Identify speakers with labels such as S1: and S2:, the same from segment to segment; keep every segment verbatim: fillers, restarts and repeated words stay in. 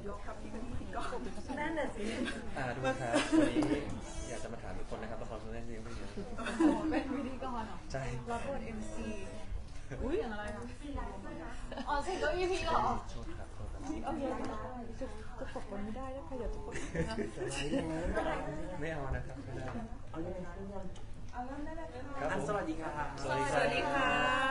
S1: ยกครับที่เป็นพิธีกรนั่นน่ะสิ
S2: อ่าดูครับวันนี้อยากจะมาถามทุกคนนะครับละครเรื่องนี้ไม่เยอะ
S3: เป็นพิธีกรเหรอ
S2: ใช่
S3: รับบท เอ็ม ซี อุ้ยอย่างอะไรคะอ๋อสิก็ อี พี เหรอ
S2: โทษครับโทษครับ
S3: เอาเยอะจะจะตกวันไม่ได้แล้วใครอยากจะตก
S2: ไม่เอานะครับไม่ได้
S1: เอายังไงเอาเริ่มได้เลย
S2: ครับ
S4: สวัสดีค่ะ
S2: สวัสดี
S3: สวัสดีค่ะ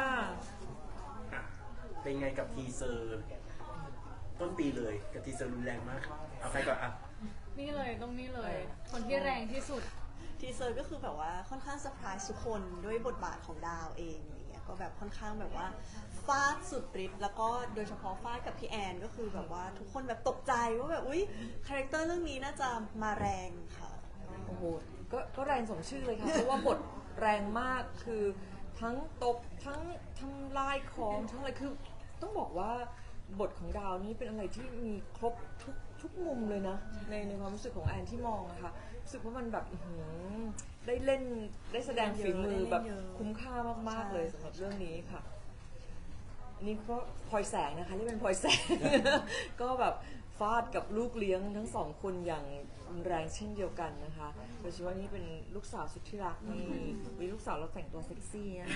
S4: เป็นไงกับทีเซอร์ต้นปีเลยกับทีเซอร์รุนแรงมากเอาใครก่อนอ่ะ
S3: นี่เลยต้องนี่เลยคนที่แรงที่สุด
S5: ทีเซอร์ก็คือแบบว่าค่อนข้างเซอร์ไพรส์ทุกคนด้วยบทบาทของดาวเองอย่างเงี้ยก็แบบค่อนข้างแบบว่าฟาดสุดฤทธิ์แล้วก็โดยเฉพาะฟาดกับพี่แอนก็คือแบบว่าทุกคนแบบตกใจว่าแบบอุ๊ยคาแรคเตอร์เรื่องนี้น่าจะมาแรงค่ะ
S6: โอ้โหก็ก็แรงสมชื่อเลยค่ะเพราะว่าบทแรงมากคือทั้งตบทั้งทำลายของทั้งอะไรคือต้องบอกว่าบทของดาวนี้เป็นอะไรที่มีครบทุกทุกมุมเลยนะในในความรู้สึกของแอนที่มองนะคะรู้สึกว่ามันแบบได้เล่นได้แสดงฝีมือแบบคุ้มค่ามากๆเลยสำหรับเรื่องนี้ค่ะนี่ก็พลอยแสงนะคะที่เป็นพลอยแสง ก็แบบฟาดกับลูกเลี้ยงทั้งสองคนอย่างแรงเช่นเดียวกันนะคะโดยเฉพาะนี่เป็นลูกสาวสุดที่รักนี่มีลูกสาวเราแต่งตัวเซ็กซี่นะ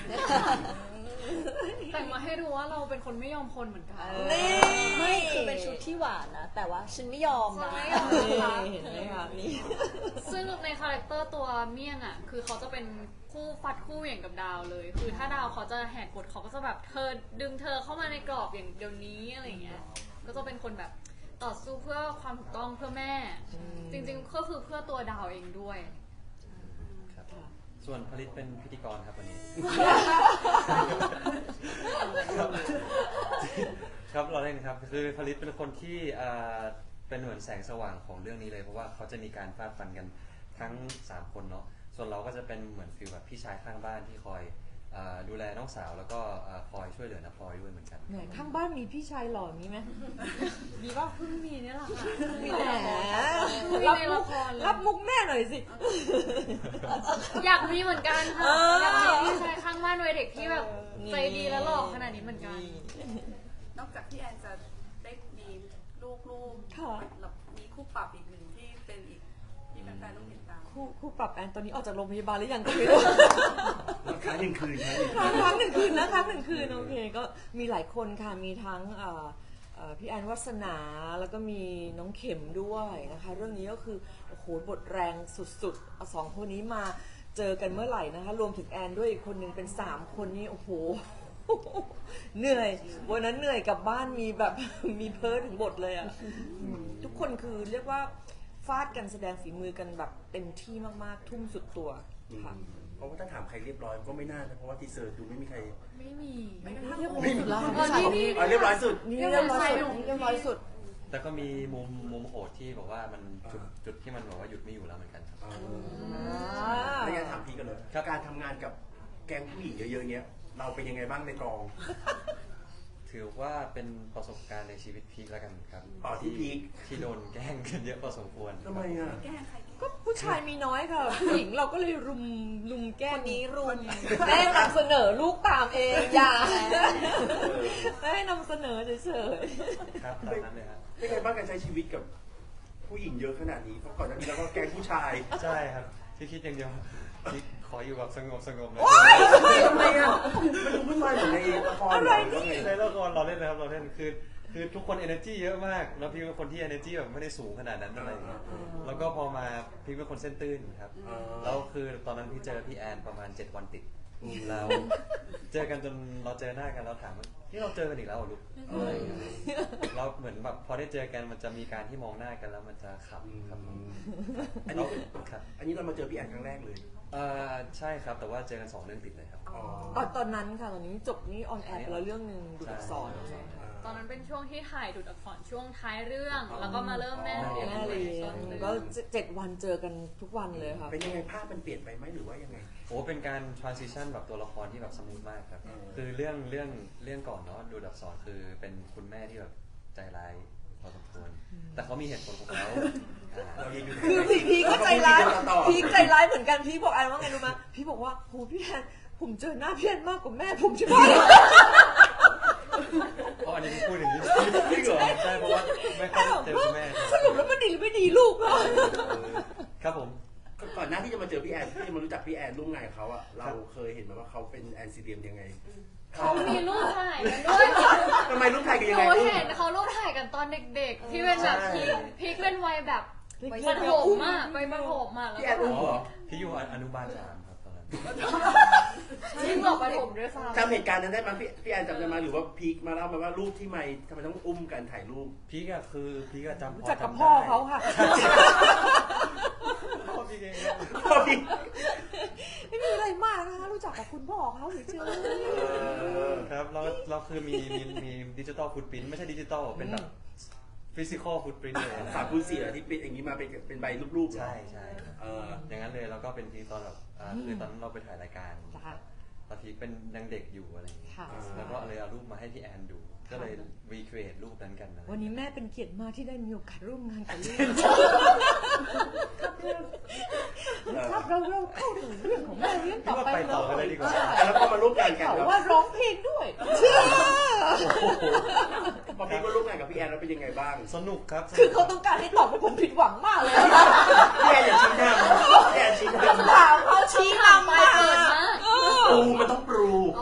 S3: แต่งมาให้รู้ว่าเราเป็นคนไม่ยอมคนเหมือนกัน
S5: นี่ไม่คือเป็นชุดที่หวานนะแต่ว่าฉันไม่ยอมนะ
S6: เห็นไหมคะนี่
S3: ซึ่งในคาแรคเตอร์ตัวเมี่ยงอ่ะคือเขาจะเป็นคู่ฟัดคู่อย่างกับดาวเลยคือถ้าดาวเขาจะแหกกฎเขาก็จะแบบเธอดึงเธอเข้ามาในกรอบอย่างเดี๋ยวนี้อะไรเงี้ยก็จะเป็นคนแบบต่อสู้เพื่อความถูกต้องเพื่อแม่จริงๆก็คือเพื่อตัวดาวเองด้วย
S2: ครับส่วนผลิตเป็นพิธีกรครับวันนี้ครับเราเล่นครับคือผลิตเป็นคนที่เป็นเหมือนแสงสว่างของเรื่องนี้เลยเพราะว่าเขาจะมีการฟาดฟันกันทั้งสามคนเนาะส่วนเราก็จะเป็นเหมือนฟีลแบบพี่ชายข้างบ้านที่คอยดูแลน้องสาวแล้วก็คอยช่วยเหลือน้าพลอยด้วยเหมือนกัน
S6: ข้างบ้านมีพี่ชายหล่อมีไหม
S3: มีป่ะเพิ่งมีนี่แหละค่ะ
S6: มีแหมรับมุกรับมุกแม่หน่อยสิ
S3: อยากมีเหมือนกันค่ะอยากมีพี่ชายข้างบ้านวัยเด็กที่แบบใจดีและหล่อขนาดนี้เหมือนกัน
S1: นอกจากพี่แอนจะได้มีลูกๆมีคู่ปรับอีกหนึ่งที่เป็นอีกที่แฟนๆต้องติดตาม
S6: คู่คู่ปรับแอนตอนนี้ออกจากโรงพยาบาลหรือยังก็ไม่รู้
S4: ค้างหนึ่งคืน
S6: ค้างหนึ่งคืนนะค้างหนึ่งคืนโอเคก็มีหลายคนค่ะมีทั้งพี่แอนวัสนาแล้วก็มีน้องเข็มด้วยนะคะเรื่องนี้ก็คือโอ้โหบทแรงสุดๆสองคนนี้มาเจอกันเมื่อไหร่นะคะรวมถึงแอนด้วยอีกคนนึงเป็นสามคนนี้โอ้โหเหนื่อยวันนั้นเหนื่อยกลับบ้านมีแบบมีเพ้อถึงบทเลยอ่ะทุกคนคือเรียกว่าฟาดกันแสดงฝีมือกันแบบเต็มที่มากๆทุ่มสุดตัวค่ะ
S4: เพราะว่าถ้าถามใครเรียบร้อยก็ไม่น่านะเพราะว่าทีเซอร์ดูไม่มีใคร
S3: ไม่มี
S6: ไม่เรียบร้อยสุดแล้ว
S4: เรียบร้อยสุด
S6: นี่เรียบร้อยสุดเรียบร้อยสุด
S2: แต่ก็มีมุมมุมโหดที่บอกว่ามันจุดจุดที่มันบอกว่าหยุดไม่อยู่แล้วเหมือนกันครับ
S4: ไม่งั้นถามพี่กันเลยการทำงานกับแก๊งผู้หญิงเยอะๆเนี้ยเราเป็นยังไงบ้างในกอง
S2: ถือว่าเป็นประสบการณ์ในชีวิตพีคแล้วกันครับ
S4: ต่อที่พีค
S2: ที่โดนแกล้งกันเยอะพอสมควร
S4: ทำไมอ่ะ
S6: ก็ผู้ชายมีน้อยค่ะผู้หญิงเราก็เลยรุมรุมแกล้งนี้รุมแม่นำเสนอลูกตามเองอย่าแม่นำเสนอเฉย
S2: ๆครับตามนั้นเลยครับ
S4: เป็นไงบ้างการใช้ชีวิตกับผู้หญิงเยอะขนาดนี้เพราะก่อนหน้านี้เราก็แกล้งผู้ชาย
S2: ใช่ครับที่คิดอย่างเดียวที่ขออยู่แบบสงบสงบเลย
S4: ทำไมอ่ะมันดูวุ่นวายเหมือนในละคร
S6: อะไรนี่
S2: ในละครเราเล่นนะครับเราเล่นคือคือทุกคน energy เยอะมากแล้วพี่เป็นคนที่ energy แบบไม่ได้สูงขนาดนั้นอะไรอย่างเงี้ยแล้วก็พอมาพี่เป็นคนเส้นตื้นครับแล้วคือตอนนั้นพี่เจอพี่แอนประมาณเจ็ดวันติดเราเจอกันจนเราเจอหน้ากันเราถามว่านี่เราเจอกันอีกแล้วลูกอะไรอย่างเงี้ยเราเหมือนแบบพอได้เจอกันมันจะมีการที่มองหน้ากันแล้วมันจะขำครับ
S4: อันนี้ครับอันนี้เรามาเจอพี่แอนครั้งแรกเลย
S2: เออใช่ครับแต่ว่าเจอกันสองเรื่องติดเลยครับ
S6: อ๋อตอนนั้นค่ะตอนนี้จบนี่ออนแอร์ไปแล้วเรื่องนึงดูอักษร
S3: ตอนนั้นเป็นช่วงที่ถ่ายดูดอักษรช่วงท้ายเรื่องแล้วก็มาเริ่มแม่เรียน
S6: ก็เจ็ดวันเจอกันทุกวันเลยค่ะ
S4: เป็นยังไงภาพมันเปลี่ยนไปไหมหรือว่ายังไง
S2: โอ้เป็นการ transition แบบตัวละครที่แบบสมูทมากครับคือเรื่องเรื่องเรื่องก่อนเนาะดูดอักษรคือเป็นคุณแม่ที่แบบใจร้ายพอสมควรแต่เขามีเหตุผลของเขา
S6: คือพีก็ใจร้ายพีใจร้ายเหมือนกันพีบอกแอนว่าไงรู้ไหมพีบอกว่าโหพี่แอนผมเจอหน้าพี่แอนมากกว่าแม่ผมใช่ไหม
S2: เพราะอันนี้จริงพูดอย่างนี้
S4: จริงเหรอ
S2: ใช่เพราะว่าไม่ค่อยเจอคุณแม่
S6: สรุปแล้วมันดีหรือไม่ดีลูกเหรอ
S2: ครับผม
S4: ก่อนหน้าที่จะมาเจอพี่แอนที่จะมารู้จักพี่แอนร่วมงานกับเขาอะเราเคยเห็นไหมว่าเขาเป็นแอนซีเดียมยังไง
S3: เขามีรูปถ่ายกันด้วย
S4: ทำไมรูปถ่ายกัน
S3: ห
S4: ยัง
S3: นู
S4: ไง
S3: เห็นเขารูปถ่ายกันตอนเด็กๆ ที่เป็นแบบพีคพีคเป็นวัยแบบประถมอ่ะไปประถมอ่ะแล้ว
S4: พี่แอน
S3: ก็
S4: อุ้มเหรอ
S2: พี่อยู่อนุบาลสามครับตอนนั้น
S3: ยิ่งกว่าประถมด้วยซ้ำ
S4: จำเหตุการณ์นั้นได้ไหมพี่พี่แอนจำได้ไหมหรือว่าพีคมาเล่ามาว่ารูปที่ไม่ทำไมต้องอุ้มกันถ่ายรูป
S2: พี่ก็คือพี่ก็จำ
S6: รู้
S2: พอ
S6: จักกับ
S2: จำ
S6: พ่อ
S2: ได้
S6: เขาค่ะ
S2: พ่อพี่เอง
S4: พ่อพี่
S6: ไม่มีอะไรมากนะคะรู้จักกับคุณพ่อเขาเฉย
S2: ครับเราเราคือมีมีมีดิจิตอลฟุตปรินต์ไม่ใช่ดิจิตอลเป็นแบบฟิสิกอลฟุตปรินต์เลยนะ
S4: สามคูณสี่อะที่เป็นอย่างนี้มาเป็นเป็นใบรูปๆเหรอ
S2: ใช่ใช่ครับ
S4: เออ
S2: อย่างนั้นเลยแล้วก็เป็นทีตอนแบบอ่าคือตอนนั้นเราไปถ่ายรายการ
S6: ๆจ้ะ
S2: ตอนที่เป็นยังเด็กอยู่อะไรอย่างเงี้ย
S6: ค่ะ
S2: แล้วก็เลยเอารูปมาให้พี่แอนดู ก็เลยรีเครทรูปนั้นกันนะ
S6: วันนี้แม่เป็นเกียรติมากที่ได้มีโอกาสร่วมงานกับลูกครับเราเราเข้าถึงเรื่องของแม่เรื่องต่อไป
S2: ไปต่อกันเลยดีกว่า
S4: แล้วก็มาร่วมงานกัน
S6: เขา
S4: ครับ
S6: ว่าร้องเพลงด้วยเชื่อ
S4: พอพี่ก็ร่วมงานกับพี่แอนแล้วเป็นยังไงบ้าง
S2: สนุกครับ
S6: คือเขาต้องการให้ตอบให้ผมผิดหวังมากเลย
S4: พี่แอนอย่าชี้หน้าพี่แอนชี้หน้า
S6: ถามเขาชี้นำ
S3: ไป
S6: มา
S3: เปิดมาก
S4: ปรูมันต้องปรู
S3: อ๋อ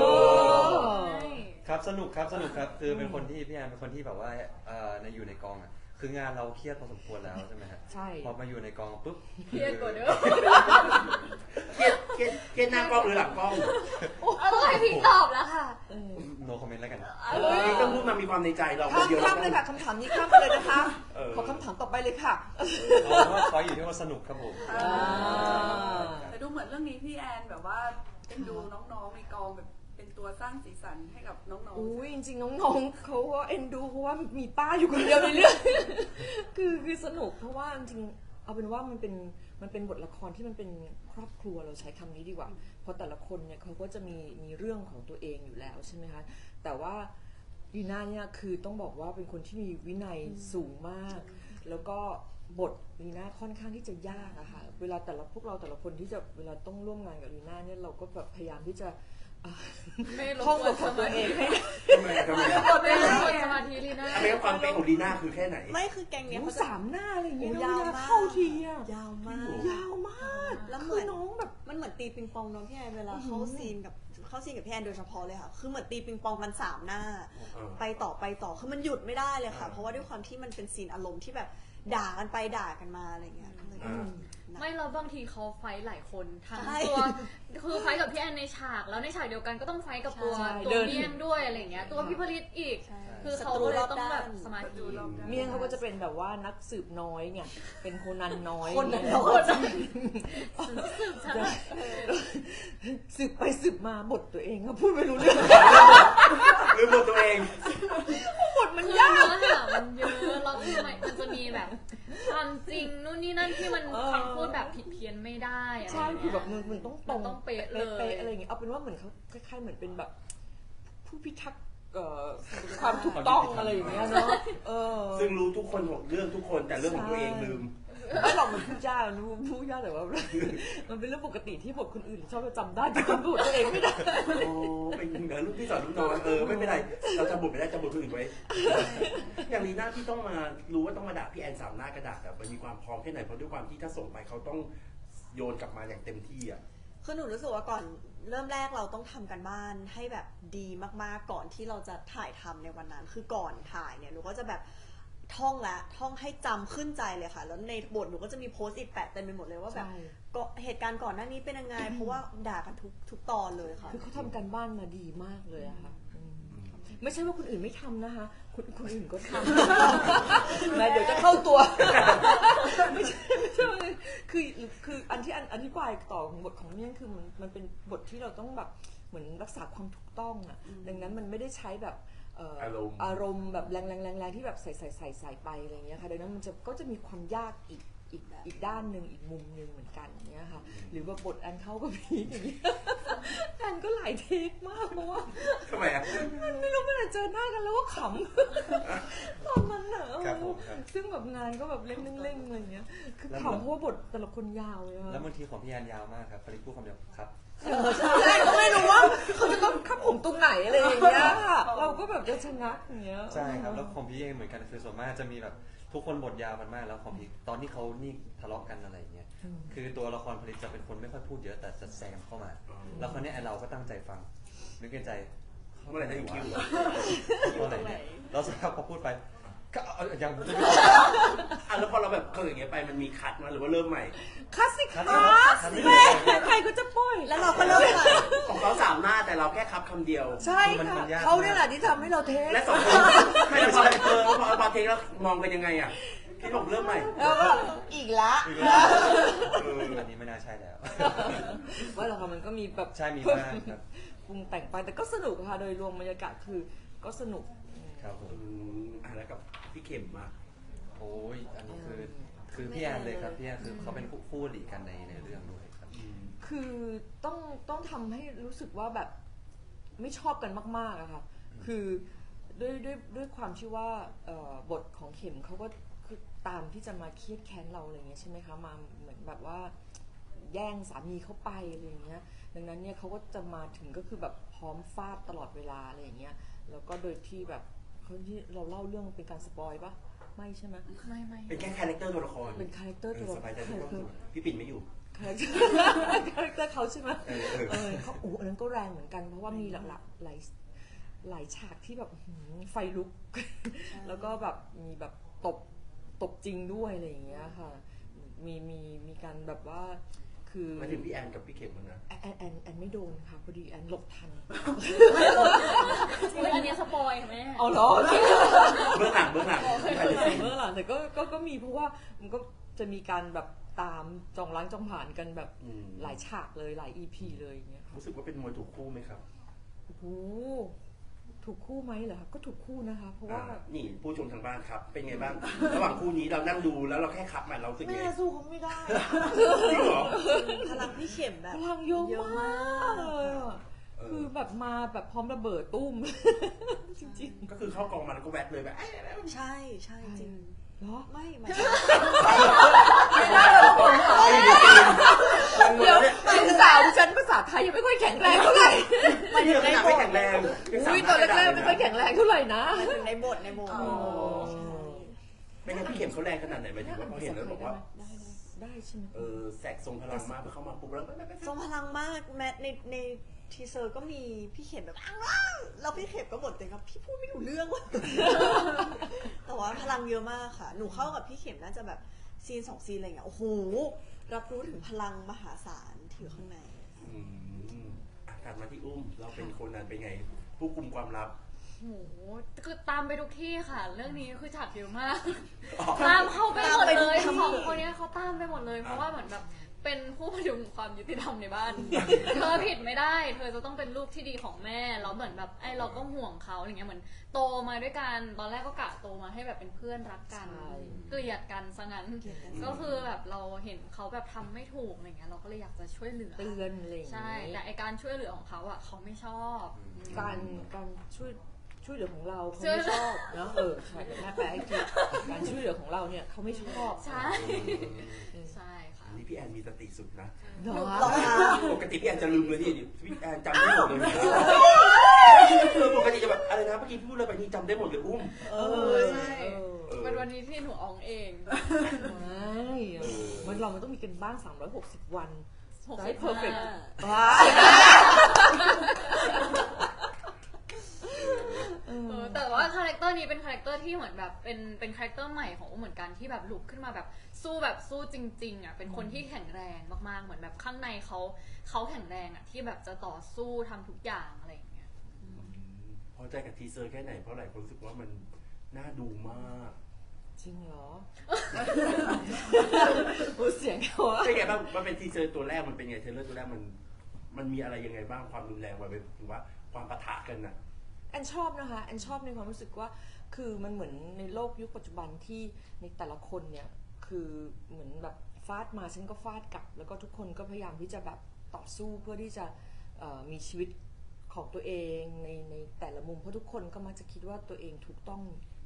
S2: ครับสนุกครับสนุกครับคือเป็นคนที่พี่แอนเป็นคนที่แบบว่าเอ่อในอยู่ในกองอ่ะคืองานเราเครียดพอสมควรแล้วใช่ไหมฮะ
S6: ใช่
S2: พอมาอยู่ในกองปุ๊บ
S3: เครียดกว่าเดิม
S4: เครียดเครียดเครียดหน้ากล้องหรือหลังกล้อง
S3: เอาต้องให้พิงตอบแล้วค่ะ
S2: โนคอมเมนต์แล้วกัน
S4: พี่ต้องพูดมามีความในใจเราคน
S6: ข้าม
S4: เดียว
S6: ข้ามเลยค่ะคำถามนี้ข้ามไปเลยนะคะ
S4: เออ
S6: ขอคำถามต่อไปเลยค่ะ
S2: เอาว่าคอยอยู่ที่ว่าสนุกครับผม
S6: อ่า
S1: แต่ดูเหมือนเรื่องนี้พี่แอนแบบว่าเป็นดูน้องๆในกองแบบเป็นตัวสร้างสีสันให้กับน้องๆ
S6: อุ้ยจริงๆน้องๆเขาก็เอ็นดูเพราะว่ามีป้าอยู่คนเดียวในเรื่อง คือคือสนุกเพราะว่าจริงๆเอาเป็นว่ามันเป็นมันเป็นบทละครที่มันเป็นครอบครัวเราใช้คำนี้ดีกว่า เพราะแต่ละคนเนี่ยเขาก็จะมีมีเรื่องของตัวเองอยู่แล้วใช่ไหมคะแต่ว่าดีน่าเนี่ยคือต้องบอกว่าเป็นคนที่มีวินัยสูงมาก แล้วก็บทลีน่าค่อนข้างที่จะยากอะค่ะเวลาแต่ละพวกเราแต่ละคนที่จะเวลาต้องร่วมงานกับลีน่าเนี่ยเราก็แบบพยายามที่จะอ่ะ
S3: ไม่รบ
S6: ท่อง
S3: ก
S6: บ
S3: วน
S6: ทของตัวเองให้
S4: ทำไมทำไม
S3: กดไม่รบกวนสมาธิลีน่า
S4: ทำไมความเป็นของดีน่าคือแค่ไหน
S5: ไม่คือแกงเนี้ย
S6: โอ้
S5: เขาจะ
S6: สามหน้าอะไรอย่างเงี้ย
S5: โอ้ยาว
S6: เวล
S5: มาก
S6: เข้าทีอะ
S5: ยาวมาก
S6: ยาวมาก
S5: แล้วเห
S6: คื
S5: มื
S6: อ
S5: อน
S6: น้องแบบ
S5: มันเหมือนตีปิงปองน้องพี่แอนเวลาเข้าซีนกับเข้าซีนกับพี่แอนโดยเฉพาะเลยค่ะ คือเหมือนตีปิงปองกันสามหน้า
S4: เออ
S5: ไปต่อไปต่อคือมันหยุดไม่ได้เลยค่ะ
S4: อ่า
S5: เพราะว่าด้วยความที่มันเป็นซีนอารมณ์ที่แบบด่ากันไปด่ากันมาอะไรเงี้ยก็เลย
S4: อ่า
S5: นะ
S3: ไม่เราบางทีเขาไฟท์หลายคนทั้ง
S5: ใช่
S3: ตัวคือไฟท์กับพี่แอนในฉาก แล้วในฉากเดียวกันก็ต้องไฟท์กับตัว
S6: ใช่
S3: ตัวเมียนด้วยอะไรอย่างเงี้ยตัวพี่ผลิตอีก
S5: ใช่
S3: คือเขาก็เลยต้องแบบสมาธิ
S6: เมี่ยงเขาก็จะเป็นแบบว่านักสืบน้อยไงเป็นโคนันน้อย
S5: คนนั้นน้อย
S3: สืบฉันอะ
S6: สืบไปสืบมาบทตัวเองก็พูดไม่รู้เรื่อง
S4: หรือบทตัวเอง
S6: บทมัน
S3: คือย
S6: าก
S3: เนื้อหามันเยอะแล้วคือมันมันจะมีแบบความจริงนู่นนี่นั่นที่มัน
S6: เออ
S3: คำพูดแบบผิดเพี้ยนไม่ได้อะไร
S6: ใช่
S3: อย่าง
S6: คือ
S3: เงี้ย
S6: แบบมันมันต้องตรง
S3: มันต้องเป๊ะเลย
S6: เป๊ะๆอะไรอย่างเงี้ยเอาเป็นว่าเหมือนเขาคล้ายๆเหมือนเป็นแบบ ผู้พิทักษ์เอ่อความถูกต้องอะไรอย่างเงี้ยเนาะเออ
S4: ซึ่งรู้ทุกคนของเรื่องทุกคนแต่เรื่องของตัวเองลืม
S6: ไม่หรอกมันพูดยากมันพูดยากแต่ว่า มันเป็นเรื่องปกติที่บทคนอื่นชอบจะจำได้แต่จำบทตัวเองไม่ได้
S4: โอ้เป็นเหมือนลูกพี่สอนลูกน้องเออไม่เป็นไรเราจำบทไม่ได้จำบทคนอื่นไว้ อย่างลีน่าที่ต้องมารู้ว่าต้องมาด่าพี่แอนสามหน้ากระดาษแต่มันมีความพร้อมแค่ไหนเพราะด้วยความที่ถ้าส่งไปเขาต้องโยนกลับมาอย่างเต็มที่อ่ะ
S5: คือหนูรู้สึกว่าก่อนเริ่มแรกเราต้องทำกันบ้านให้แบบดีมากๆก่อนที่เราจะถ่ายทำในวันนั้น คือก่อนถ่ายเนี่ยหนูก็จะแบบท่องละท่องให้จำขึ้นใจเลยค่ะ แล้วในบทหนูก็จะมีโพสต์อิทแปะเต็มไปหมดเลยว่าแบบ
S6: ใช่
S5: ก็เหตุการณ์ก่อนหน้านี้เป็นยังไง เพราะว่าด่ากันทุกทุกตอนเลยค่ะ
S6: คือเขาทำการบ้านมาดีมากเลยอะค่ะอืมไม่ใช่ว่าคนอื่นไม่ทำนะคะคนคนอื่นก็ทำ นะเดี๋ยวจะเข้าตัว ไม่ใช่ไม่ใช่ว่าคือคืออันที่อันอธิบายต่อของบทของเนี่ยคือมันมันเป็นบทที่เราต้องแบบเหมือนรักษาความถูกต้องอะดังนั้นมันไม่ได้ใช้แบบเอ่อ
S4: อารมณ์
S6: อารมณ์แบบแรงแรงแรงแรงที่แบบใส่ใส่ใส่ใส่ไปอะไรอย่างเงี้ยค่ะดังนั้นมันจะก็จะมีความยากอีกอีกอีกด้านหนึ่งอีกมุมหนึ่งเหมือนกันอย่างเงี้ยค่ะหรือว่าบทอันเข้าก็พีคอย่างเงี้ย อันก็หลายเทคมากเพราะว่า
S4: ทำไมอ่ะ
S6: มันไม่รู้เมื่อไหร่เจอหน้ากันแล้วก็ขำ ตอนนั้นน่ะ
S2: ครับผมครับ
S6: ซึ่งแบบงานก็แบบเร่งๆอะไรอย่างเงี้ยคือ
S2: แล้ว
S6: ถามเพราะว่าบทแต่ละคนยาวเลยอะ
S2: แล้วบางทีของพี่แอนยาวมากครับฟริกพูดคำเดียวครับ
S6: เออใช่ก็ไม่รู้ว่าเขาจะต้องคับผมตรงไหนอะไรอย่างเงี้ยค่ะเราก็แบบจะชะงักอย่างเงี้ย
S2: ใช่ครับแล้วของพี่เองเหมือนกันคือส่วนมากจะมีแบบทุกคนบทยาวมันมากแล้วของพี่ตอนที่เขานี่ทะเลาะกันอะไรอย่างเงี้ยคือตัวละครผลิตจะเป็นคนไม่ค่อยพูดเยอะแต่จะแซมเข้ามา แล้วคราวเนี้ยไอ้เราก็ตั้งใจฟังนึกในใจ
S4: เมื่อไหร่จะถึงคิวเหรอ
S2: เมื่อไหร่เนี่ยแล้วสักพักพอพูดไปก็เอายังไม่ได้
S4: อ่ะแล้วพอเราแบบเขาอย่างเงี้ยไปมันมีคัดมาหรือว่าเริ่มใหม่
S6: คลาสสิกค
S2: คั
S6: ลา
S2: ด
S6: ส
S2: ไม่
S6: แม่
S2: ได้
S6: ใครก็จะปล่อย
S5: แล้วเราก็เริ่มใหม่
S4: ของเขาสามหน้าแต่เราแค่คับคำเดียว
S6: ใช่
S2: มันมั
S6: ค่ะ
S2: นยาก
S6: เขาเนี่ยแหละที่ทำให้เราเทส
S4: และสองคนไม่พอเออพอพอเทคแล้วมองกันยังไงอ่ะพี่บอกเริ่มใหม่
S6: แล้วก็
S5: อีกละ
S2: อีกแล้วเอออันนี้ไม่น่าใช่แล้ว
S6: ว่าเราค่ะมันก็มีแบบ
S2: ใช่มีบ้างครับ
S6: ปรุงแต่งไปแต่ก็สนุกค่ะโดยรวมบรรยากาศคือก็สนุก
S2: ครับผม
S4: อืมอ่ะแล้วกับพี่เข็มมา
S2: โอ้ยอันนี้คือคือพี่แอนเลยครับพี่แอนคือเขาเป็นคู่คู่อริกันในในเรื่องด้วยครับ
S6: คือต้องต้องทำให้รู้สึกว่าแบบไม่ชอบกันมากๆอะค่ะ คือด้วยด้วยด้วยความที่ว่าเอ่อบทของเข็มเขาก็คือตามที่จะมาเครียดแค้นเราอะไรเงี้ยใช่ไหมคะมาเหมือนแบบว่าแย่งสามีเขาไปอะไรอย่างเงี้ยดังนั้นเนี่ยเขาก็จะมาถึงก็คือแบบพร้อมฟาดตลอดเวลาอะไรอย่างเงี้ยแล้วก็โดยที่แบบเขาที่เราเล่าเรื่องเป็นการสปอยปะไม่ใช่ไหม
S3: ไม่ไม่
S4: เป็นแค่คาแรคเตอร์ตัวละคร
S6: เป็นคาแรคเตอร์
S4: เอ
S6: ตัว
S4: อ
S6: ละ
S4: ส
S6: ค
S4: บายใจ
S6: ร
S4: ทุกคนพี่ปิ่นไม่อยู่
S6: คาแรคเตอร์คาแรคเตอร์เขาใช่ไหม
S4: เออเออ
S6: เออเขาโอ้อันนั้นก็แรงเหมือนกันเพราะว่ามีหลักๆหลายหลายฉากที่แบบหืมไฟลุก แล้วก็แบบมีแบบตบตบจริงด้วยอะไรอย่างเงี้ยค่ะ มีมีมีการแบบว่าคือ
S4: มาถึงพี่แอนกับพี่เข็มแล้วนะ
S6: แอนแอนแอนไม่โดนค่ะพอดีแอนหลบทัน
S3: อุ๊ยอันเนี้ยสปอยค่ะแม่
S6: เอาเหรอ
S4: เบื้องหลังเบื้องหลังที่ใครจะซีน
S6: เมื่อหลังแต่ก็ก็ก็มีเพราะว่ามันก็จะมีการแบบตามจองล้างจองผ่านกันแบบ
S4: อืม
S6: หลายฉากเลยหลาย อี พี เลยอย่างเงี้ยค่ะ
S4: รู้สึกว่าเป็นมวยถูกคู่ไหมครับ
S6: โอ้โหถูกคู่ไหมเหรอคะก็ถูกคู่นะคะ เพราะว่า
S4: อ่านี่ผู้ชมทางบ้านครับ เป็นไงบ้าง ระหว่างคู่นี้เรานั่งดูแล้วเราแค่คับมันเรารู้สึกไง
S6: แม่สู้เขาไม่ได้
S4: จริงเหรอ
S5: พลังพี่เข็มแบบ
S6: พลังเยอะ
S5: เยอะ
S6: มาม
S5: าก ก
S6: เลยอะ
S4: เออ
S6: คือแบบมาแบบพร้อมระเบิดตุ้ม จริง
S4: ก็คือเข้ากองมาแล้วก็แวดเลยแบบเอ้ยเอ้ยเอ้ย
S5: ใช่ใช่จริง
S6: ๆเหรอ
S5: ไม่ไม่
S6: เดี๋ยวลูกสาวดิฉันภาษาไทยยังไม่ค่อยแข็งแรงเท่าไหร่
S5: หมายถึ
S4: นี่
S5: ง
S4: ข
S5: ใน
S4: นาด
S5: บ
S4: ไม่
S5: ท
S4: แข็งแรงยังสา
S6: อุ้ย
S4: มารถ
S6: ตอนแรกๆไม่ค่อยแข็งแรงเท่าไหร่นะ
S5: หมายถึงในบทในบท
S4: อ๋อเป็นไงพี่เข็มเขาแรงขนาดไหนหมายถึงว่าพอเห็นแล้วบอกว่า
S6: ได้ได้ได้ใช่ไหม
S4: เออแสกทรงพลังมากพอเข้ามาปุ๊บแล้ว
S5: ทรงพลังมากแม้ในในทีเซอร์ก็มีพี่เข็มแบบอ้าวว้าวแล้วพี่เข็มก็บ่นเต็มครับพี่พูดไม่รู้เรื่องว่ะ แต่ว่าพลังเยอะมากค่ะ หนูเข้ากับพี่เข็มน่าจะแบบซีนสองซีนอะไรอย่างเงี้ยโอ้โหรับรู้ถึงพลังมหาศาลที่อยู่ข้างใน
S4: อืมอ่ะกลับมาที่อุ้มเราเป็นคนนั้นเป็นไง ผู้กุมความลับ
S3: โอ้โหคือตามไปทุกที่ค่ะ เรื่องนี้คือฉากเยอะมาก
S4: อ๋อ
S3: ตามเข้าไปหมดเลย
S5: ตามไปทุกที่
S3: สองคนเนี้ยเขาตามไปหมดเลย เพราะว่าเหมือนแบบเป็นผู้พยุงความยุติธรรมในบ้าน เธอผิดไม่ได้ เธอจะต้องเป็นลูกที่ดีของแม่แล้วเหมือนแบบไอ้เราก็ห่วงเขาอะไรเงี้ยเหมือนโตมาด้วยกันตอนแรกก็กะโตมาให้แบบเป็นเพื่อนรักกัน
S6: ใช่
S3: เกลียดกันซะงั้น ก็คือแบบเราเห็นเขาแบบทำไม่ถูกอะไรเงี้ยเราก็เลยอยากจะช่วยเหลือ
S6: เตือนอะไรอย่าง
S3: ใช่
S6: งี้
S3: แต่ไอการช่วยเหลือของเขาอ่ะเขาไม่ชอบ
S6: การการช่วยช่วยเหลือของเราเขา
S3: ช่วย
S6: ไม่ชอบเนอะเออใช่แต่แม่แปลให้ทีการช่วยเหลือของเราเนี่ยเขาไม่ชอบ
S3: ใช่ใช่ค่ะ
S4: อันนี้พี่แอนมีสติสุดนะ
S6: เหรอ
S5: หรอคะ
S4: ปกติพี่แอนจะลืมเลยนี่พี่แอนจำได้หมดเลยคือปกติจะแบบอะไรนะเมื่อกี้พี่พูดอะไรไปนี่จำได้หมดเลยอุ้ม
S5: เอ
S3: เอ
S5: อ
S3: อ
S5: ใช่
S3: ใช่
S4: เออ
S3: เป็นวันนี้ที่หนูอองเอง
S6: ไม่มันเรามันต้องมีกันบ้างสามร้อยหกสิบวัน
S3: หก
S6: จะ
S3: สิ
S6: ให้
S3: บ
S6: เพอร์เฟกต์
S3: ห้า
S6: ว้า
S3: เออแต่ว่าคาแรคเตอร์นี้เป็นคาแรคเตอร์ที่เหมือนแบบเป็นเป็นคาแรคเตอร์ใหม่ของอุ้มเหมือนกันที่แบบลุกขึ้นมาแบบสู้แบบสู้จริงๆอ่ะเป็นคนที่แข็งแรงมากๆเหมือนแบบข้างในเขาเขาแข็งแรงอ่ะที่แบบจะต่อสู้ทำทุกอย่างอะไรอย่างเงี้ย
S4: พอใจกับทีเซอร์แค่ไหนเพราะหลายคนรู้สึกว่ามันน่าดูมาก
S6: จริงเหรอโอ้เสียงเขาอะ
S4: เป็นไงบ้างมันเป็นทีเซอร์ตัวแรกมันเป็นไงเทรลเลอร์ตัวแรกมันมันมีอะไรยังไงบ้างความรุนแรงมันเป็นหรือว่าความปะทะกันน่ะ
S6: แอนชอบนะคะแอนชอบในความรู้สึกว่าคือมันเหมือนในโลกยุคปัจจุบันที่ในแต่ละคนเนี่ยคือเหมือนแบบฟาดมาฉันก็ฟาดกลับ แล้วก็ทุกคนก็พยายามที่จะแบบต่อสู้เพื่อที่จะเอ่อมีชีวิตของตัวเองในในแต่ละมุมเพราะทุกคนก็มักจะคิดว่าตัวเองถูกต้อง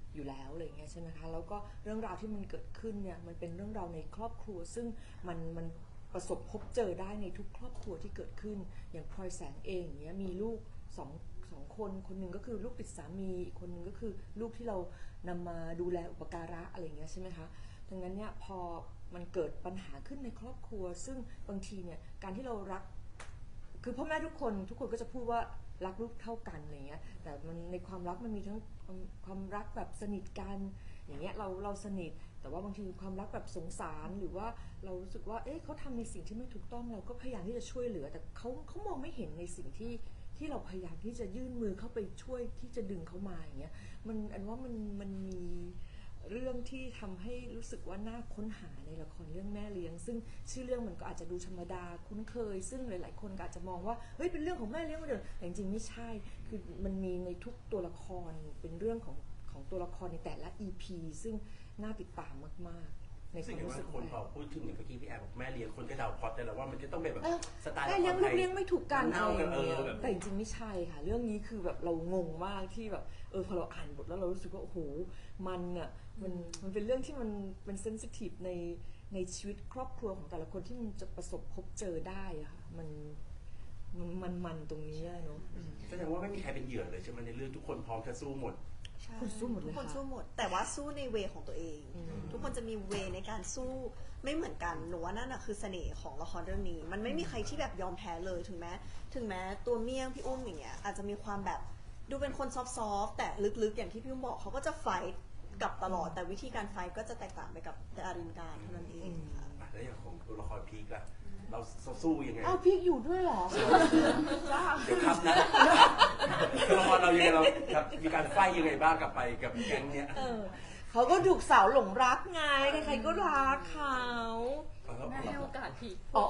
S6: อยู่แล้วอะไรเงี้ยใช่ไหมคะแล้วก็เรื่องราวที่มันเกิดขึ้นเนี่ยมันเป็นเรื่องราวในครอบครัวซึ่งมันมันประสบพบเจอได้ในทุกครอบครัวที่เกิดขึ้นอย่างพลอยแสงเองอย่างเงี้ยมีลูกสองสองคนคนหนึ่งก็คือลูกติดสามีอีกคนหนึ่งก็คือลูกที่เรานำมาดูแลอุปการะอะไรเงี้ยใช่ไหมคะดังนั้นเนี่ยพอมันเกิดปัญหาขึ้นในครอบครัวซึ่งบางทีเนี่ยการที่เรารักคือพ่อแม่ทุกคนทุกคนก็จะพูดว่ารักลูกเท่ากันอะไรเงี้ยแต่มันในความรักมันมีทั้งความความรักแบบสนิทกันอย่างเงี้ยเราเราสนิทแต่ว่าบางทีความรักแบบสงสารหรือว่าเรารู้สึกว่าเอ๊ะเขาทำในสิ่งที่ไม่ถูกต้องเราก็พยายามที่จะช่วยเหลือแต่เขาเขามองไม่เห็นในสิ่งที่ที่เราพยายามที่จะยื่นมือเข้าไปช่วยที่จะดึงเขามาอย่างเงี้ยมันอันว่ามันมันมีเรื่องที่ทำให้รู้สึกว่าน่าค้นหาในละครเรื่องแม่เลี้ยงซึ่งชื่อเรื่องมันก็อาจจะดูธรรมดาคุ้นเคยซึ่งหลายๆคนก็อาจจะมองว่าเฮ้ยเป็นเรื่องของแม่เลี้ยงมาเดิมแต่จริงๆไม่ใช่คือมันมีในทุกตัวละครเป็นเรื่องของของตัวละครในแต่ละ อี พี ซึ่งน่าติดตามมากๆในค
S4: สิ่
S6: วาง ม
S4: ที่
S6: รู้
S4: ว่า
S6: สึก
S4: คนพอพูดถึงอย่างเมื่อกี้พี่แอบบอกแม่เลี้ยงคนก็เดาพล็อตได้แล้วว่ามันจะต้องเป็นแบบสไตล์
S6: แม่เลี้ยงลูกเลี้ยงไม่ถูกกัน
S4: เน่า
S6: อะไร
S4: กัน
S6: อ
S4: เอย่าง
S6: เงี้
S4: อย แบบ
S6: แต่จริงๆไม่ใช่ค่ะเรื่องนี้คือแบบเรางงมากที่แบบเออพอเราอ่านบทแล้วเรารู้สึกว่าโอ้โหมันอ่ะมันมันเป็นเรื่องที่มันเป็นเซนซิทีฟในในชีวิตครอบครัวของแต่ละคนที่มันจะประสบพบเจอได้อะค่ะมันมันมันมันตรงนี้อะเนาะ
S4: แสดงว่าไม่มีใครเป็นเหยื่อเลยใช่ไหมในเรื่องทุกคนพร้อมจะสู้หมด
S5: ใช่
S6: คนสู้หมดเลย
S5: ทุกคน
S6: ค่ะ
S5: สู้หมด แต่ว่าสู้ในเวของตัวเอง
S6: อืม
S5: ทุกคนจะมีเวในการสู้ไม่เหมือนกันหนูว่านั่นอะคือเสน่ห์ของละครเรื่องนี้ มันไม่มีใครที่แบบยอมแพ้เลยถึงแม้ถึงแม้ตัวเมี่ยงพี่อุ้มอย่างเงี้ยอาจจะมีความแบบดูเป็นคนซอฟต์ๆแต่ลึกๆอย่างที่พี่อุ้มบอกเขาก็จะไฟท์กลับตลอดแต่วิธีการไฟท์ก็จะแตกต่างไปกับดารินการเท่านั้นเองค่ะ
S4: อ่ะแล้วอย่างของตัวละครพีกล่ะเราสู้ยังไง
S6: อ้าวพี่อยู่ด้วยเหรอ
S4: เดี๋ยวครับนะตัวละครเรายังไงเราครับมีการไฟยังไงบ้างกับไปกับแก๊งเนี้ย
S6: เออเขาก็ถูกสาวหลงรักไงใครๆก็รักเขา
S3: แม่ให้โอกาสพี่
S6: อ๋อ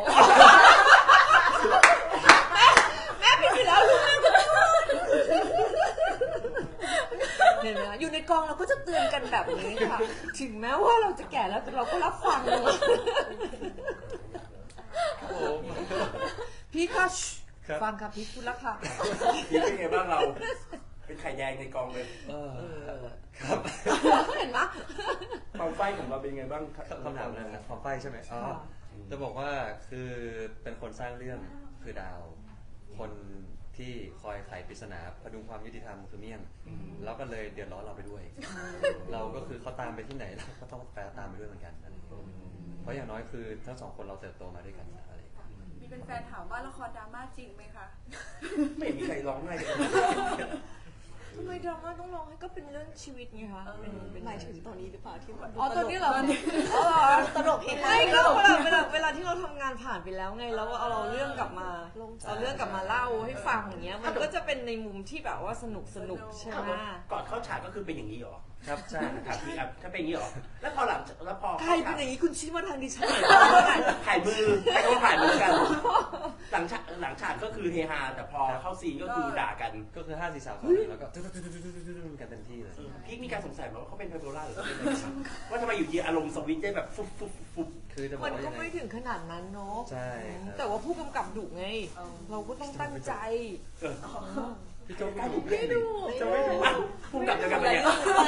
S6: แม่แม่ผิดอยู่แล้วลูกแม่ก็เนี่ยนะอยู่ในกองเราก็จะเตือนกันแบบนี้ค่ะ ถึงแม้ว่าเราจะแก่แล้วแต่เราก็รับฟังเลย
S2: ครับผม
S6: พี่ก็
S2: ครับ
S6: ฟังค่ะพี่พูดแล้วค่ะ
S4: พีกเป็นไงบ้างเรา เป็นไข่แดงในกองเลย
S2: เออ
S6: เออ
S2: ครับ
S6: เห็นไหม
S4: ความไฟของเราเป็นไงบ้าง
S2: คำถามอะไรนะความไฟใช่ไหมอ๋อ
S6: ค่ะ
S2: จะบอกว่าคือเป็นคนสร้างเรื่องคือดาว คนที่คอยไขปริศนาพดุงความยุติธรรมคือเมี่ยง แล้วก็เลยเดือดร้อนเราไปด้วย เราก็คือเขาตามไปที่ไหนเราก็ต้องแปลตามไปด้วยเหมือนกันอะไรอย่างเงี้ยเพราะอย่างน้อยคือทั้งสองคนเราเติบโตมาด้วยกันอะไรอย่างเงี้ย
S1: มีเป็นแฟนถามว่าละครดราม่าจริงไหมคะ
S4: ไม่มีใครร้องไห้เลย
S6: ทำไมดราม่าต้องร้องให้ก็เป็นเรื่องชีวิตไงคะเป็นเป็น
S5: หมายถึงตอนนี้หรือเปล่าที่มัน
S6: อ๋อตอนนี้เหรอ
S5: อ๋อตลกเฮฮา
S6: ไม่ก็เวลาเวลาเวลาที่เราทำงานผ่านไปแล้วไงแล้วเอาเราเรื่องกลับมา
S5: ลงใจ
S6: เอาเรื่องกลับมาเล่าให้ฟังอย่างเงี้ยมันก็จะเป็นในมุมที่แบบว่าสนุกสนุกใช่ไหม
S4: ก่อนเข้าฉากก็คือเป็นอย่างนี้เหรอ
S2: ครับใช่
S4: ถามพี่ครับถ้าเป็นอย่างนี้เหรอ แล้วพอหลังแล้วพอ
S6: ใครเป็นอย่างนี้คุณชี้มาทางดิฉันหน่อย
S4: ถ่ายมือใครก็ถ่ายมือกัน หลังฉากหลังฉากก็คือเฮฮาแต่พอเข้าซีนก็คือด่ากัน
S2: ก็คือห้าสี่สามสองหนึ่งแล้วก็ตึ๊ดตึ๊ดตึ๊ดตึ๊ดตึ๊ดตึ๊ดกันเต็มที่เลย
S4: พี่มีการสงสัยไหมว่าเขาเป็นไบโพล่าหรือเขาเป็นอะไรว่าทำไมอยู่ดีอารมณ์สวิตช์ได้แบบฟุบฟุบฟุบ
S2: คือจะบอ
S6: มั
S2: ก
S6: น
S2: ว่า
S6: ก็
S2: ยังไง
S6: ไม่ถึงขนาดนั้นเนาะ
S2: ใช่ครับ
S6: แต่ว่าผู้กำกับดุไง เราก็ต้องตั้งใจ
S4: เออ
S2: พี่โจ๊ก
S4: กล้าดุเล่นดิจะไม่ดุอ่ะพุ่งกลับเดียวกันไปเนี่ย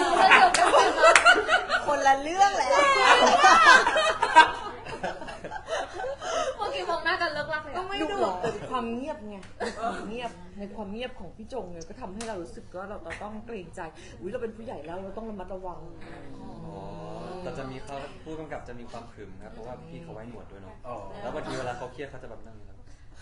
S5: คนละเรื่องแล้ว
S3: เมื่อกี้มองหน้ากันเลิกลักเลย
S6: ก็
S3: อะ
S6: ไม่ดุหรอกแต่ความเงียบไงความเงียบในความเงียบของพี่จงเนี่ยก็ทำให้เรารู้สึกว่าเราต้องเกรงใจอุ้ยเราเป็นผู้ใหญ่แล้วเราต้องระมัดระวัง
S2: อ๋อแต่จะมีเขาผู้กำกับจะมีความขรึมครับเพราะว่าพี่เขาไว้หนวดด้วยเนาะ
S4: อ๋อ
S2: แล้วบางทีเวลาเขาเครียดเขาจะแบบนั่งอย่างนี้ครับ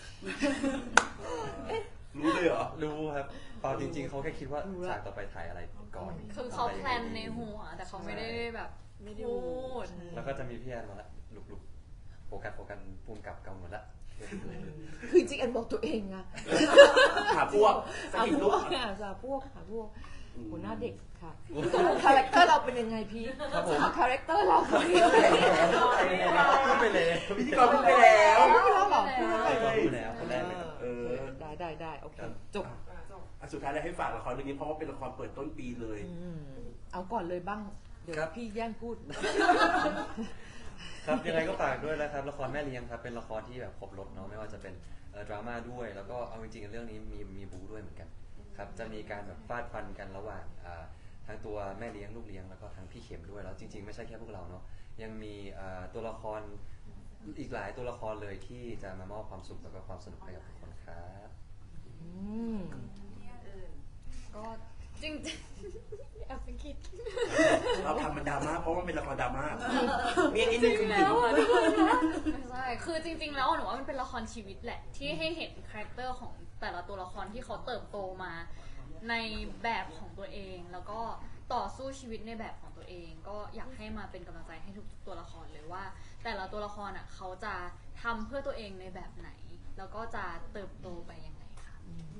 S4: รู้เลยเหรอ
S2: รู้ครับเปล่าจริง ๆเขาแค่คิดว่าฉากต่อไปถ่ายอะไรก่อน
S3: คือเขาแพลนในหัว แต่เขาไม่ได้แบบ
S5: ไม่ได้
S3: พู
S5: พูด
S3: ด
S2: แล้วก็จะมีพี่แอนมาละลุกๆโฟกัสโฟกัสภูมิกับเกาหมดละ
S6: คือจริงๆแอนบอกตัวเองอะ
S4: หาพวกส
S6: หา
S4: กิด
S6: พ
S4: ลู
S6: ว
S4: ก
S6: กอะหาพวกหาพวกหัวหน้าเด็กค่ะคาแรคเตอร์เราเป็นยังไงพี่
S2: ครับผม
S6: คาแรคเตอร์เราเป็นยังไง
S2: พูดไปเลย
S4: พิธีกรพูดไปแล้ว
S6: ไม่รู้หรอ
S2: พูดไปแล้วคนแรกเลยครับ
S4: เออ
S6: ได้ได้ได้โอเคจบ
S4: อ่ะสุดท้ายเลยให้ฝากละครเรื่องนี้เพราะว่าเป็นละครเปิดต้นปีเลย
S6: อืมเอาก่อนเลยบ้าง เดี๋ยวพี่แย่งพูด
S2: ครับยังไงก็ฝากด้วยนะครับละครแม่เลี้ยงครับเป็นละครที่แบบครบรถเนาะไม่ว่าจะเป็นเอ่อดราม่าด้วยแล้วก็เอาจริงๆเรื่องนี้มีมีบู๊ด้วยเหมือนกันครับจะมีการแบบฟาดฟันกันระหว่างอ่าทั้งตัวแม่เลี้ยงลูกเลี้ยงแล้วก็ทั้งพี่เข็มด้วยแล้วจริงๆไม่ใช่แค่พวกเราเนาะยังมีตัวละครอีกหลายตัวละครเลยที่จะมามอบความสุขแล้วก็ความสนุกให้กับทุกคนครับ
S6: อืม
S3: ก็จริงๆแอบเป็นคิด
S4: เราทำมันดราม่าเพราะว่ามันเป็นละครดราม่ามีอันนี้นึงคือถึง
S3: ไม่ใช่ คือจริงๆ แล้วหนูว่ามันเป็นละครชีวิตแหละ ที่ให้เห็นคาแรคเตอร์ของแต่ละตัวละครที่เขาเติบโตมาในแบบของตัวเอง แล้วก็ต่อสู้ชีวิตในแบบของตัวเอง ก็อยากให้มาเป็นกำลังใจให้ทุกตัวละครเลยว่า แต่ละตัวละครอ่ะเขาจะทำเพื่อตัวเองในแบบไหน แล้วก็จะเติบโตไปยังไงค่ะ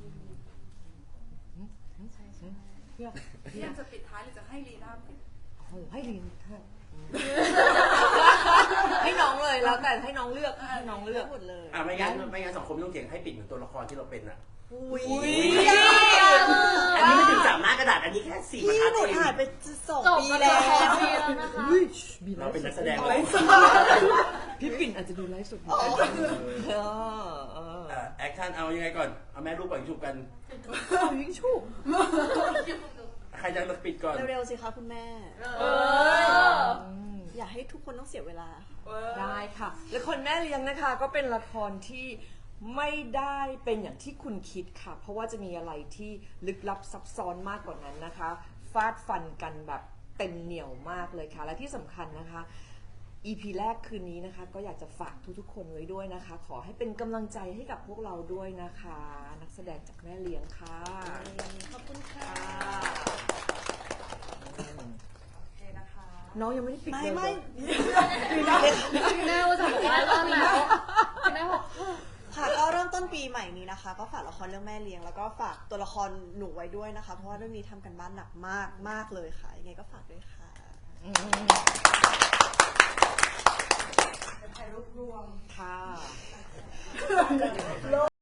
S3: ใช่ใช่
S6: พี่อยาก
S1: พี่แอนจะปิดท้ายหรือจะให้ลีน่าปิด
S6: โอ้ให้ลินค่ะให้น้องเลยแล้วแต่ให้น้องเลือกให้น้องเลือก
S5: หมดเลย
S4: อ่ะไม่งั้นไม่งั้นสองคนไม่ต้องเถียงให้ปิดเหมือนตัวละครที่เราเป็นอ่ะ
S5: อุ้ย
S4: อันนี้ไม่ถึงสามหน้ากระดาษอันนี้แค่สี่บรร
S5: พี่
S4: ทัด
S5: หนู
S4: เอง
S5: ถ่ายไปสอง
S3: จบ
S5: ปี
S3: มา
S5: แล้
S3: แล้ว
S5: ว
S3: ปีแล้วนะคะ
S4: เราเป็นนักแสดง
S6: พี่ปิ่นอาจจะดูไลฟ์สดอยู่เออเออ
S4: อ่ะแอคชั่นเอายังไงก่อนเอาแม่ลูกก่อนชุบกัน
S6: เอายิงชุบ
S4: ใครจะปิดก่อน
S5: เร็วๆสิคะคุณแม่
S3: เออ
S5: อย่าให้ทุกคนต้องเสียเวลา
S6: ได้ค่ะละครแม่เลี้ยงนะคะก็เป็นละครที่ไม่ได้เป็นอย่างที่คุณคิดค่ะ เพราะว่าจะมีอะไรที่ลึกลับซับซ้อนมากกว่านั้นนะคะ ฟาดฟันกันแบบเต็มเหนียวมากเลยค่ะ และที่สำคัญนะคะ อี พี แรกคืนนี้นะคะ ก็อยากจะฝากทุกๆคนไว้ด้วยนะคะ ขอให้เป็นกำลังใจให้กับพวกเราด้วยนะคะ นักแสดงจากแม่เลี้ยงค่ะ
S5: ขอบคุณค่ะ
S6: น้องยังไม่ได้ปิด
S5: ไม่
S6: เลย
S5: ไม่
S3: แม่ว่าจะบอกว่าเริ่มแล้วแม่บอก
S5: ค่ะก็เริ่มต้นปีใหม่นี้นะคะ ก็ฝากละครเรื่องแม่เลี้ยงแล้วก็ฝากตัวละครหนูไว้ด้วยนะคะ เพราะว่าเรื่องนี้ทำกันบ้านหนักมากมากเลยค่ะยังไงก็ฝากด้วยค่ะ
S6: อืมค่ะ